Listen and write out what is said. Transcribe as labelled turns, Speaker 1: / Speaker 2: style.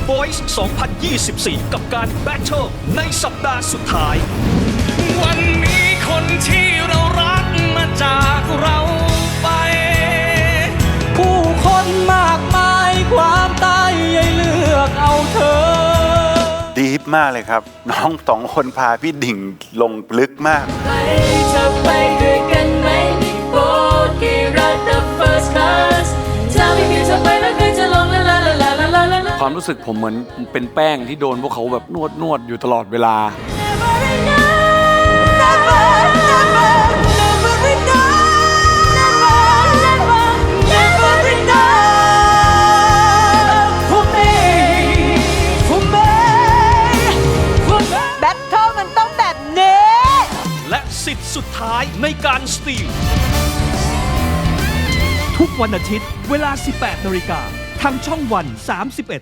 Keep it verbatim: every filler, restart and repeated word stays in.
Speaker 1: Voice สองพันยี่สิบสี่ กับการแบทเทิลในสัปดาห์สุดท้าย
Speaker 2: วันนี้คนที่เรารักมาจากเราไป ผู้คนมากมายความตายยัยเลือกเอาเธอ
Speaker 3: ดีฟมากเลยครับ น้องสองคนพาพี่ดิ่งลงลึกมาก
Speaker 4: ไปจะไปด้วยกันไหมมีโบกี้รัก the first class ถ้าไม่มีเธอไปแล้วใครจะลงลาลาลาลาลาลาลาลา
Speaker 5: ความรู้สึกผมเหมือนเป็นแป้งที่โดนพวกเขาแบบนวดนวดอยู่ตลอดเวลา
Speaker 6: แบทเทิลมันต้องแบบนี้
Speaker 1: และสิทธิ์สุดท้ายในการสตีลทุกวันอาทิตย์เวลา สิบแปดนาฬิกาทางช่องวัน สามสิบเอ็ด